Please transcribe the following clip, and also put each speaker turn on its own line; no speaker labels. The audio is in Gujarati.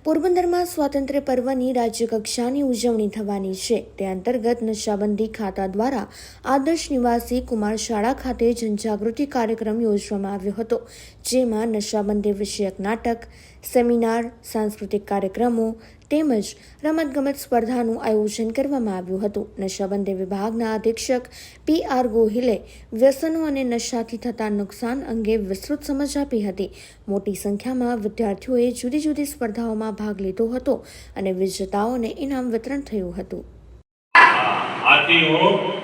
પોરબંદરમાં સ્વાતંત્ર્ય પર્વની રાજ્યકક્ષાની ઉજવણી થવાની છે. તે અંતર્ગત નશાબંધી ખાતા દ્વારા આદર્શ નિવાસી કુમાર શાળા ખાતે જનજાગૃતિ કાર્યક્રમ યોજવામાં આવ્યો હતો, જેમાં નશાબંધી વિષયક નાટક, સેમિનાર, સાંસ્કૃતિક કાર્યક્રમો તેમજ રમતગમત સ્પર્ધાનું આયોજન કરવામાં આવ્યું હતું. નશાબંધી વિભાગના અધિક્ષક PR ગોહિલે વ્યસનો અને નશાથી થતા નુકસાન અંગે વિસ્તૃત સમજ આપી હતી. મોટી સંખ્યામાં વિદ્યાર્થીઓએ જુદી જુદી સ્પર્ધાઓમાં ભાગ લીધો હતો અને વિજેતાઓને ઇનામ વિતરણ થયું હતું.
આથી હું